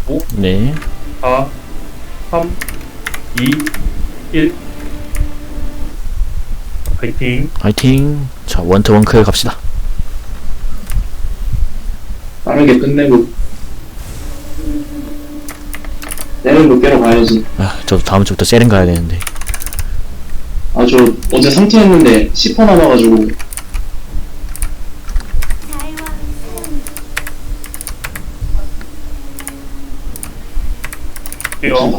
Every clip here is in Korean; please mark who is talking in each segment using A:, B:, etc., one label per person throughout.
A: 5,
B: 네.
A: 4, 3, 2, 1. 파이팅.
B: 화이팅. 자, 원트 원클 갑시다.
C: 빠르게 끝내고 내일도 깨러 가야지.
B: 아, 저도 다음 주부터 세렌 가야 되는데.
C: 아, 저 어제 3티 했는데 10% 남아가지고.
A: 뛰어.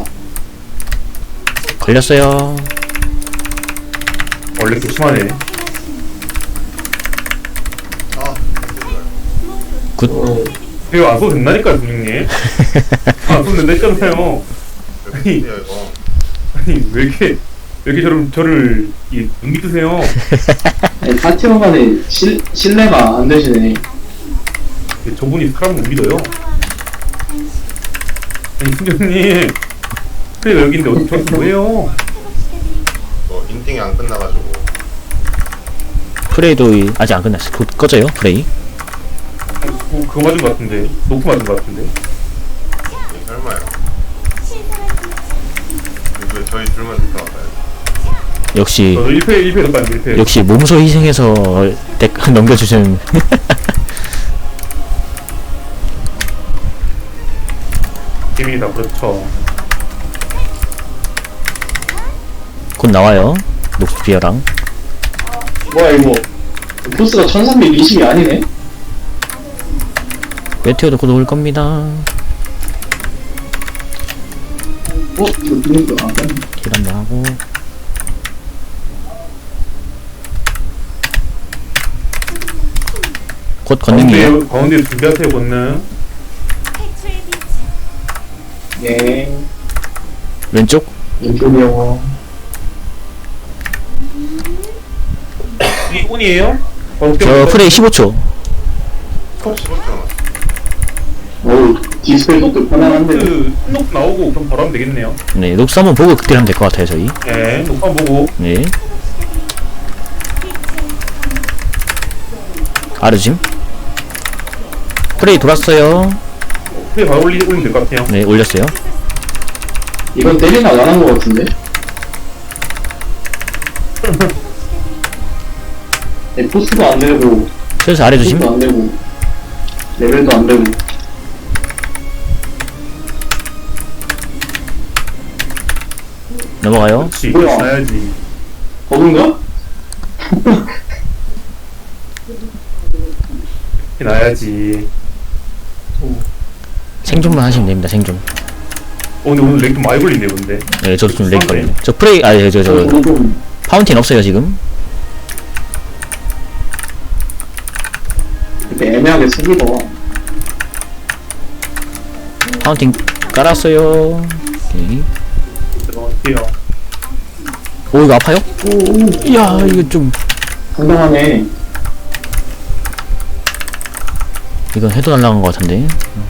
B: 걸렸어요.
A: 원래 조심하네.
B: 굿.
A: 이거 안 써도 된다니까요, 분명님. 안 써도 된다 했잖아요. 아니,
D: 이거
A: 아니, 왜 이렇게 저를, 눈 밑으세요?
C: 아니, 파티원 간에 신뢰가 안 되시네.
A: 저분이 사람을 못 믿어요. 아니, 팀장님. 그래, 여기인데 어디 저한테 뭐해요?
D: 뭐 인팅이 안 끝나가지고
B: 프레이도 아직 안 끝났어. 곧 꺼져요, 프레이.
A: 그거 맞은 것 같은데. 노크 맞은 것 같은데.
D: 이게 설마요. 이거 저희 둘만 좋다 같아요.
B: 역시,
A: 저도 1패 덕분에 1패.
B: 역시 몸소 희생해서 덱 넘겨주신.
A: 팀이다, 그렇죠.
B: 곧 나와요. 녹스피어랑.
C: 뭐야, 이거. 코스가 1320이 아니네?
B: 메테오도 곧 올 겁니다.
C: 이거 누군 거야?
B: 길 한번 하고. 곧 건능이에요.
A: 가운데 준비하세요, 권능.
C: 예.
B: 왼쪽.
C: 왼쪽이요.
A: 이 운이에요?
B: 저 프레이 15초.
D: 15초 남았어.
C: 어우, 디스플레이 속도 편안한데.
A: 녹 나오고 그럼 바로 하면 되겠네요.
B: 네, 녹스 한번 보고 그때 하면 될 것 같아요, 저희.
A: 네, 녹화 보고.
B: 네. 아르짐. 프레이 돌았어요.
A: 그래 바로 올리면 될 것 같아요.
B: 네, 올렸어요.
C: 이건 때리나 안 한 거 같은데? 네, 포스도 안 되고,
B: 슬슬 아래 조심.
C: 포스도 안 되고, 레벨도 안 되고.
B: 넘어가요.
A: 그렇지.
C: 뭐야?
A: 나야지.
C: 버그인가?
A: 나야지.
B: 생존만 하시면 됩니다, 생존.
A: 근데 오늘 렉 좀 많이 걸리네, 근데.
B: 네, 저도 좀 렉 걸리네. 저 프레이, 저
C: 좀
B: 파운틴 없어요, 지금.
C: 이렇게 애매하게 쓰기가.
B: 파운틴 깔았어요. 오케이.
A: 들어갈게요.
B: 오, 이거 아파요?
C: 오,
B: 이야, 이거 좀.
C: 상당하네.
B: 이건 해도 날라간 것 같은데.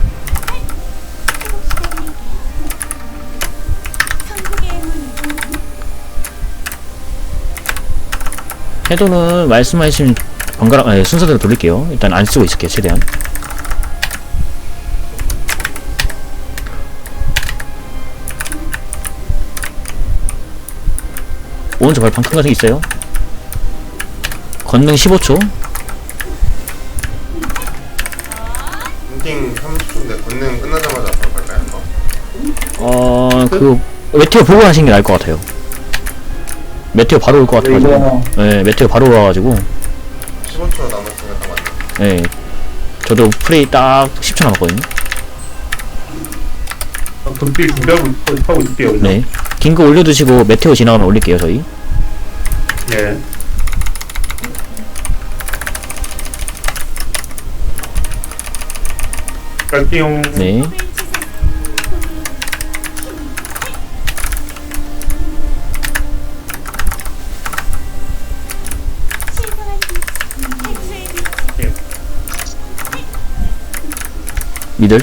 B: 해도는 말씀하신 번갈아, 순서대로 돌릴게요. 일단 안 쓰고 있을게요, 최대한. 오른쪽 발판 큰 거 있어요. 건능 15초.
D: 인팅 30초인데 권능 끝나자마자 바로 갈까요? 이거?
B: 메테오 보고 하시는 게 나을 것 같아요. 메테오 바로 올 것 같아가지고.
C: 이거
B: 네, 메테오 바로 와가지고.
D: 15초 남았으면 딱 맞네.
B: 네. 저도 프레이 딱 10초 남았거든요.
A: 극딜 준비하고 있을게요, 그냥.
B: 네. 긴 거 올려두시고 메테오 지나가면 올릴게요, 저희.
A: 네. 갈게요.
B: 네. 미들.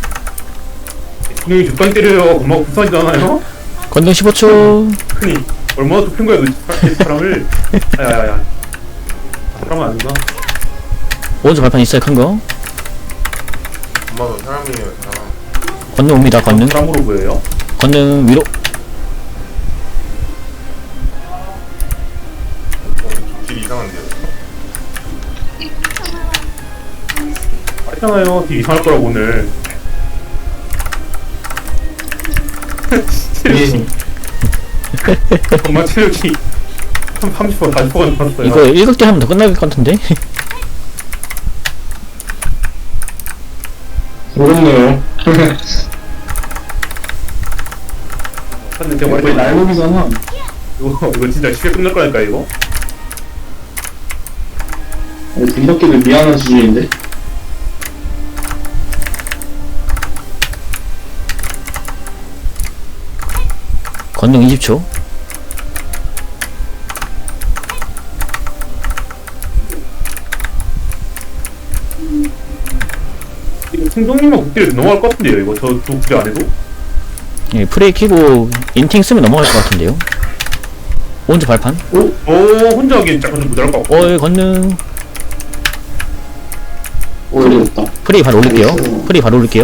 A: 분명히 적당히 때려요. 엄마가 불쌍하지 않아요?
B: 건능 15초.
A: 흔히. 얼마나 좁힌 거야 너 사람을. 야야야. 사람은 아니구나.
B: 오른쪽 발판 있어요, 큰 거.
D: 엄마도 사람이에요, 사람.
B: 건능 옵니다, 건능.
A: 사람으로 보여요?
B: 건능 위로.
D: 딜 이상한데요?
A: 알잖아요. 되게 이상할 거라고 오늘. 체력이. 정말 체력이 30% 40%가 넘었어요.
B: 이거 일극대 하면 더 끝날 것 같은데?
C: 어렵네요.
A: 근데 제가
C: 왜
A: 말했잖아요.
C: 날먹이잖아.
A: 이거 진짜 쉽게 끝날 거니까 이거.
C: 빈밖에도 미안한 수준인데.
B: 건능 20초.
A: 이거 충동님만 국딜에 넘어갈 것 같은데요 이거 저 국딜 안 해도?
B: 예, 프레이 키고 인팅 쓰면 넘어갈 것 같은데요? 오른쪽 발판.
A: 혼자 하기엔 약간 좀 모자랄 것 같고.
B: 예, 건능.
C: 어렵다.
B: 프레이 바로 올릴게요. 프레이 바로 올릴게요.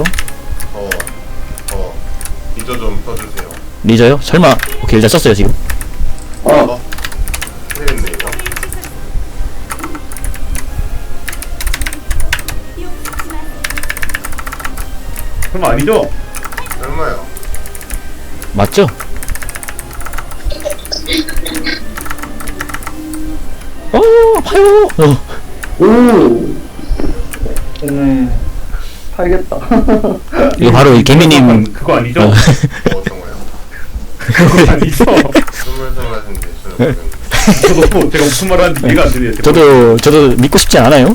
D: 리저 좀 써주세요.
B: 리저요? 설마. 오케이, 일단 썼어요, 지금.
C: 아,
D: 큰일했네, 이거.
A: 설마 아니죠?
D: 얼마요?
B: 맞죠? 아파요!
C: 오,
E: 네. 팔겠다.
B: 이거 바로 이 개미님.
A: 그거 아니죠?
D: 어떤 거요?
A: 그거 아니죠?
D: 스물스물 하신데, 저는
A: 저도 제가 무슨 말 하는지 이해가 안 되네요.
B: 저도 믿고 싶지 않아요?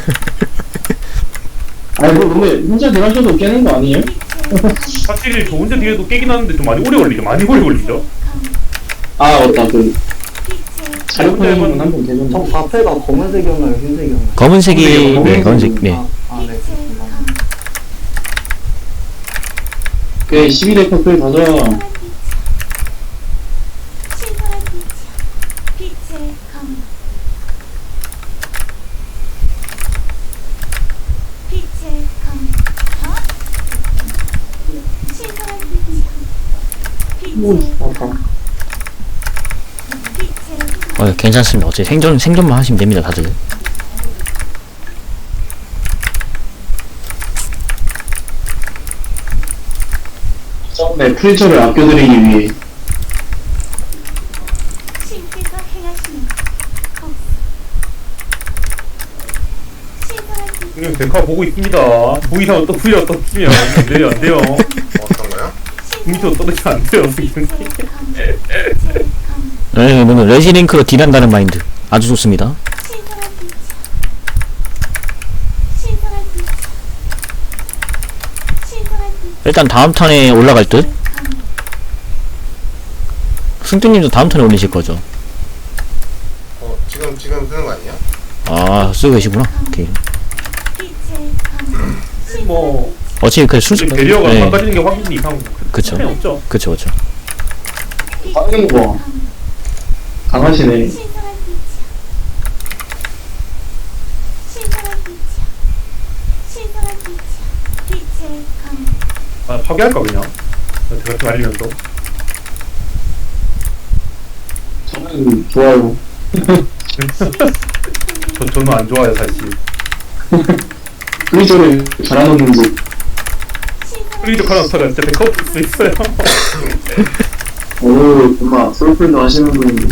C: 아니 뭐 근데 혼자 들어가셔도 깨는 거 아니에요?
A: 확실히 저 혼자 뒤에도 깨긴 하는데 좀 많이 오래 걸리죠. 많이 오래 걸리죠.
C: 아 맞다 그 자료판에만 한번 되면
E: 저 자체가 검은색이었나요? 흰색이었나요?
B: 검은색이, 네, 검은색, 네.
E: 네. 그렇습니다.
C: 그 12대 커플 가자.
F: 신선한 빛이여 빛의 검 빛의 검 신선한 빛이여
C: 오,
F: 빛의
C: 아파.
F: 빛의
B: 괜찮습니다. 어차피 생존만 하시면 됩니다, 다들.
C: 네, 프리저를 아껴드리기 위해
F: 신께서 행하시는 법 신선한 빛
A: 형님 데카 보고 있습니다. 보이사면 또 풀려 떠주면 안 돼요, 안 돼요.
D: 어떤 거요?
A: 밑으로 떨어지면 안 돼요, 지금.
F: 빛의 검
B: 네, 이거는 레지링크로 딜한다는 마인드. 아주 좋습니다.
F: 신선한 빛이여 신선한 빛 신선한 빛
B: 일단 다음 턴에 올라갈 듯? 승뚜님도 다음 턴에 올리실 거죠?
D: 지금 쓰는 거 아니야?
B: 아, 쓰고 계시구나. 오케이.
F: 빛의 검
A: 뭐
B: 어차피 그 순서.
A: 지금 대리어가
B: 네.
A: 바꿔지는 게 확실히 이상.
B: 그쵸.
A: 차이 없죠.
B: 그쵸.
C: 빠른 거 강하시네.
F: 신선한 빛이여 신선한 빛이여 신선한 빛이여 빛의 검
A: 아, 파괴할까 그냥. 제가 좀 알리면서.
C: 저는 좋아요.
A: 저는 안 좋아요 사실.
C: 프리저를 갈아넣는지.
A: 프리드 카라스타가 진짜 데카 없을 수 있어요.
C: 오, 정말 솔플도 하시는 분인데.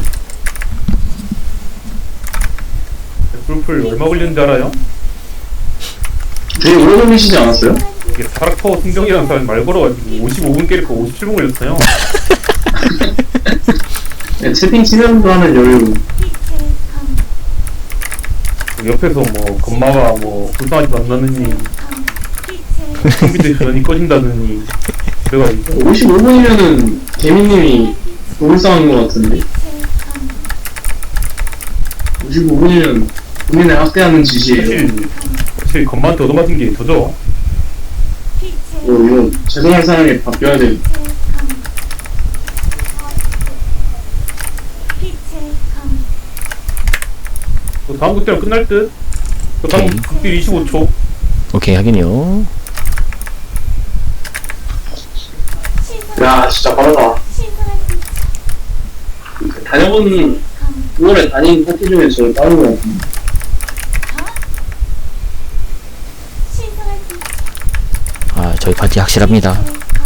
A: 풀풀 얼마 걸리는지 알아요?
C: 되게 오래 걸리시지 않았어요?
A: 이게 사락퍼 승경이라는 사람이 말 걸어가지고 55분 깨니까 57분 걸렸어요.
C: 네, 채팅 치면서 하는 여유.
F: 빛의 검
A: 옆에서 뭐 건마가 뭐 불쌍하지 않나느니
F: 검 빛의
A: 컴퓨터 전원이 꺼진다느니 그래가지고
C: 55분이면은 개미님이 노을상한 것 같은데.
F: 빛의 검
C: 55분이면 본인을 학대하는 짓이에요.
A: 사실 건마한테 얻어맞은 게 저죠.
F: 빛의
C: 이거 죄송할 사람이 바뀌어야 돼.
F: 빛의 검
A: 다음 극대랑 끝날 듯? 다음
B: 오케이.
A: 극딜 25초.
B: 오케이, 확인이요.
C: 야, 진짜 빠르다.
F: 신선한 빛이야.
C: 다녀본 9월에 다닌 파티 중에 제일 빠른 것 같은데.
F: 신선한 빛이야.
B: 아, 저희 파티 확실합니다.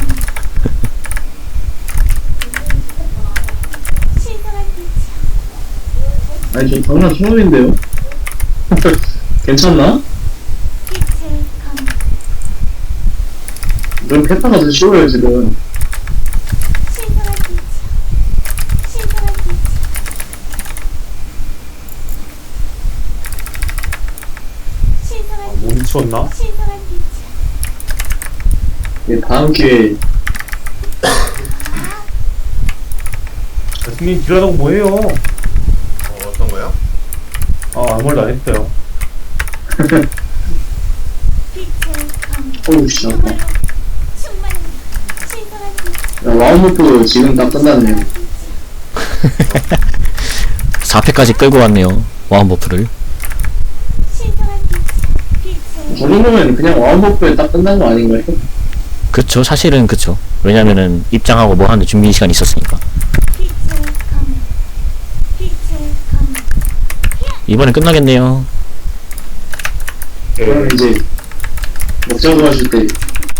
F: 신선한 빛이야.
C: 아니, 저 장난 처음인데요? 괜찮나?
F: 빛의 검.
C: 넌 페타가 더 쉬워요, 지금.
F: 신선한 빛이야. 신선한 빛이야. 신선한
A: 못 미쳤나?
F: 신선한 빛이야.
C: 예, 다음 기회에.
A: 승님 딜하다고 뭐해요?
D: 어떤 거요?
A: 아무 말도 안 했어요.
F: 빛의 검.
C: 어우, 씨, 아파.
F: 정말로 충만한 신선한 빛이야.
C: 야, 와우모프 지금 딱 끝났네요.
B: 4패까지 끌고 왔네요. 와운버프를.
F: 신선한 빛이야. 빛의
C: 저 정도면 그냥 와우모프에 딱 끝난 거 아닌가요?
B: 그쵸, 사실은 그쵸. 왜냐면은 입장하고 뭐 하는데 준비 시간이 있었으니까.
F: 빛의 검. 빛의 검.
B: 이번엔 끝나겠네요.
C: 그럼 이제 먹자고 하실 때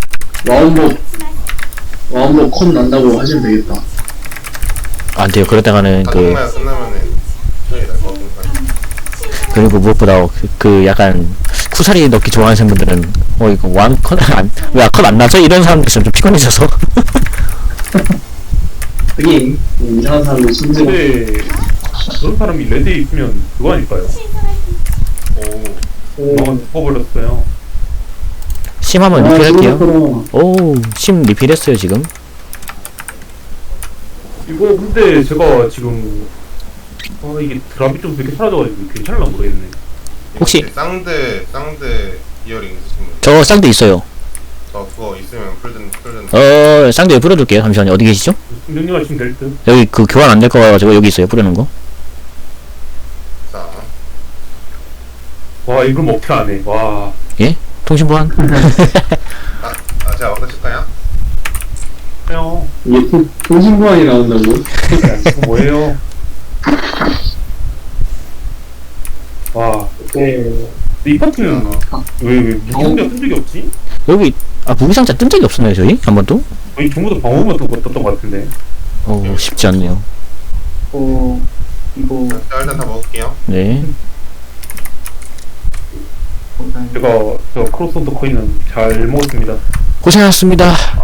C: 와운모 컷 난다고 하시면 되겠다.
B: 안 돼요. 그러다가는
D: 다동마야 끝나면은 저희 날것 같으니까.
B: 그리고 무엇보다 그 약간 쿠사리 넣기 좋아하시는 분들은 이거 왜 컷 안 나죠? 이런 사람들 있으면 좀 피곤해져서.
C: 하긴 이상한 사람들 심지어
A: 근데 그런 사람이 레드에 있으면 그거 아닐까요?
F: 신선한 빛이야.
D: 오.
A: 너가 죽어버렸어요.
B: 심 한번 리필할게요.
C: 그렇구나.
B: 오, 심 리필했어요 지금.
A: 이거 근데 제가 지금 이게 드랍이 좀 되게 사라져가지고 괜찮을라 모르겠네.
B: 혹시-
D: 쌍대 이어링 있으신 분?
B: 저 쌍대 있어요.
D: 저 그거 있으면 풀든.
B: 쌍대 뿌려둘게요. 잠시만요. 어디 계시죠?
A: 명령하 시면 될 듯.
B: 여기 그 교환 안 될 거 가지고 여기 있어요. 뿌려놓은 거.
D: 자,
A: 와 이걸 먹튀 안 해. 와.
B: 통신 보안.
D: 제가 어떤 칠까요?
A: 형.
C: 이게 통신보안이 나온다고?
A: 이거 뭐예요? 와.
C: 네.
A: 근데 이 파티는 왜 무기상자 뜬 적이 없지?
B: 여기 무기상자 뜬 적이 없었나요 저희? 한 번도?
A: 거의 전부 다 방어만 떴던 것 같은데.
B: 쉽지 않네요.
E: 이거
D: 자, 일단 다 먹을게요.
B: 네.
E: 감사합니다.
A: 제가 크로스온더 코인은 잘 먹었습니다.
B: 고생하셨습니다.